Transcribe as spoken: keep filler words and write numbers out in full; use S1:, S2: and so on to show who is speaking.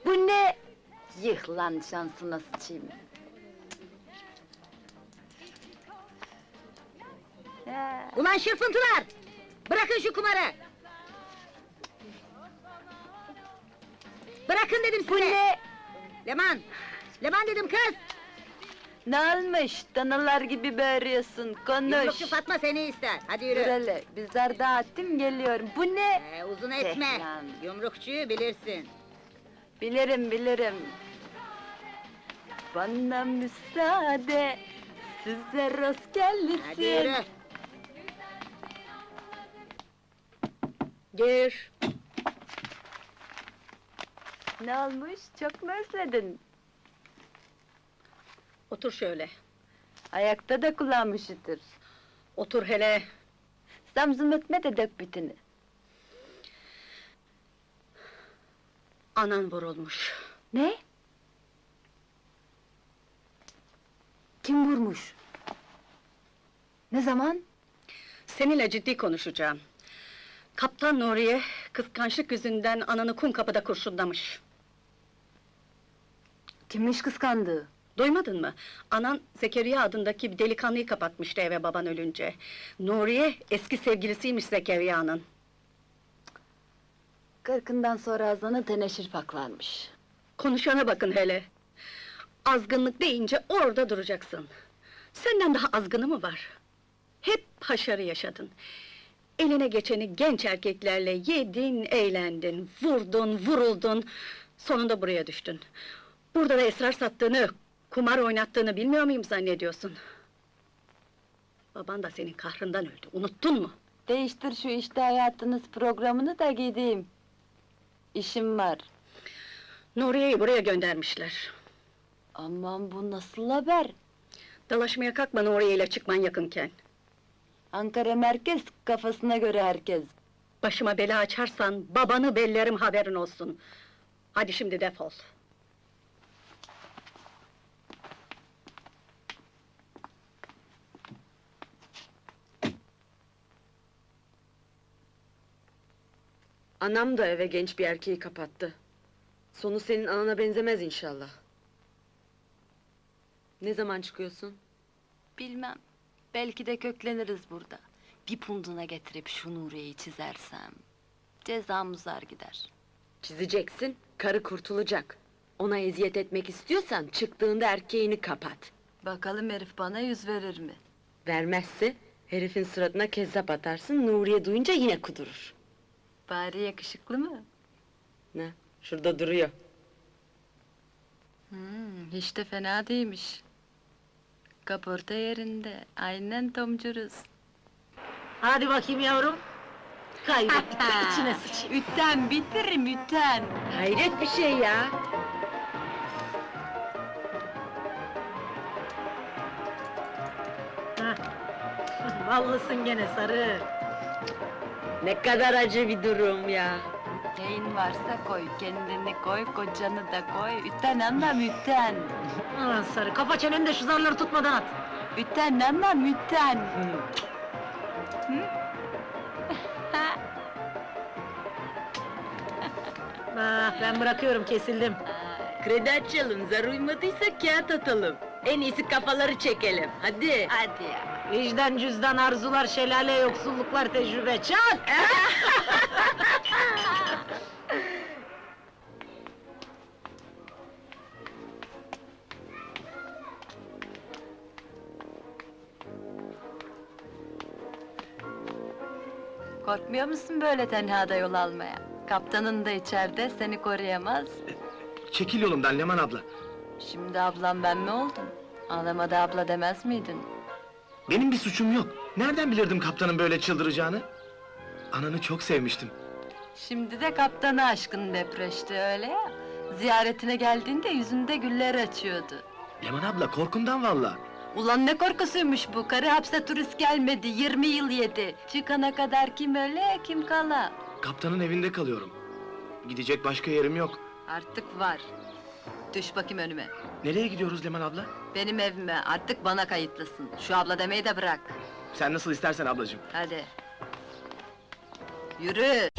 S1: Bu ne? Yıh lan şansına sıçayım. Ya.
S2: Ulan şırfıntılar! Bırakın şu kumarı! Bırakın dedim size!
S1: Bu ne?
S2: Leman! Leman dedim kız!
S1: Ne olmuş? Danalar gibi bağırıyorsun, konuş!
S2: Yumrukçu Fatma seni ister, hadi yürü!
S1: Dur hele, bizler dağıttım, geliyorum. Bu ne?
S2: Ee, uzun etme!
S1: Eh lan.
S2: Yumrukçuyu bilirsin!
S1: Bilirim, bilirim. Bana müsaade, size rast gelsin.
S2: Hadi yürü!
S1: Gir. Ne olmuş? Çok mu özledin?
S3: Otur şöyle,
S1: Ayakta da kulağım üşütür.
S3: otur hele.
S1: Zamzım ötme de dök bütünü.
S3: Anan vurulmuş.
S1: Ne? Kim vurmuş? Ne zaman?
S3: Seninle ciddi konuşacağım. Kaptan Nuriye, kıskançlık yüzünden ananı kum kapıda kurşunlamış.
S1: Kimmiş kıskandığı?
S3: Duymadın mı? Anan Zekeriya adındaki bir delikanlıyı kapatmıştı eve baban ölünce. Nuriye, eski sevgilisiymiş Zekeriya'nın.
S1: Kırkından sonra ağzına teneşir paklanmış.
S3: Konuşana bakın hele! Azgınlık deyince orada duracaksın. Senden daha azgını mı var? Hep haşarı yaşadın. Eline geçeni genç erkeklerle yedin, eğlendin, vurdun, vuruldun... Sonunda buraya düştün. Burada da esrar sattığını, kumar oynattığını bilmiyor muyum zannediyorsun? Baban da senin kahrından öldü, unuttun mu?
S1: Değiştir şu işte hayatınız programını da gideyim. İşim var.
S3: Nuriye'yi buraya göndermişler.
S1: Aman bu nasıl haber?
S3: Dalaşmaya kalkma Nuriye ile çıkman yakınken.
S1: Ankara merkez, kafasına göre herkes.
S3: Başıma bela açarsan, babanı bellerim haberin olsun. Hadi şimdi defol.
S4: Anam da eve genç bir erkeği kapattı. Sonu senin anana benzemez inşallah. Ne zaman çıkıyorsun?
S1: Bilmem, belki de kökleniriz burada. Bir punduna getirip şu Nuriye'yi çizersem... cezam uzar gider.
S4: Çizeceksin, karı kurtulacak. Ona eziyet etmek istiyorsan çıktığında erkeğini kapat.
S1: Bakalım herif bana yüz verir mi?
S4: Vermezse herifin suratına kezzap atarsın, Nuriye duyunca yine kudurur.
S1: Bari yakışıklı mı?
S4: Ne? Şurada duruyor.
S1: Hmm, hiç de fena değilmiş. Kaporta yerinde, aynen tomcuruz.
S2: Hadi bakayım yavrum! Kaybettik de içine sıçayım!
S1: Ütten bitiririm, ütten!
S4: Hayret bir şey ya!
S2: Vallısın gene sarı!
S4: Ne kadar acı bir durum ya!
S1: Neyin varsa koy, kendini koy, kocanı da koy. Ütten anlam, ütten!
S2: Ulan sarı, kafa çeneni de şu zarları tutmadan at!
S1: Ütten anlam, ütten!
S2: Ah, ben bırakıyorum, kesildim!
S4: Kredi açalım, zar uymadıysa kağıt atalım. En iyisi kafaları çekelim, hadi!
S1: Hadi ya!
S2: Vicdan, cüzdan, arzular, şelale, yoksulluklar, tecrübe, çak!
S1: Korkmuyor musun böyle tenhada yol almaya? Kaptanın da içeride, seni koruyamaz.
S5: Çekil yolumdan Leman abla.
S1: Şimdi ablam ben mi oldum? Ağlama da abla demez miydin?
S5: Benim bir suçum yok. Nereden bilirdim kaptanın böyle çıldıracağını? Ananı çok sevmiştim.
S1: Şimdi de kaptanı aşkın depreşti öyle ya. Ziyaretine geldiğinde yüzünde güller açıyordu.
S5: Leman abla korkumdan valla.
S1: Ulan ne korkusuymuş bu, karı hapse turist gelmedi, yirmi yıl yedi. Çıkana kadar kim öle, kim kala.
S5: Kaptanın evinde kalıyorum. Gidecek başka yerim yok.
S1: Artık var. Düş bakayım önüme.
S5: Nereye gidiyoruz Leman abla?
S1: Benim evime, artık bana kayıtlısın. Şu abla demeyi de bırak.
S5: Sen nasıl istersen ablacığım.
S1: Hadi. Yürü!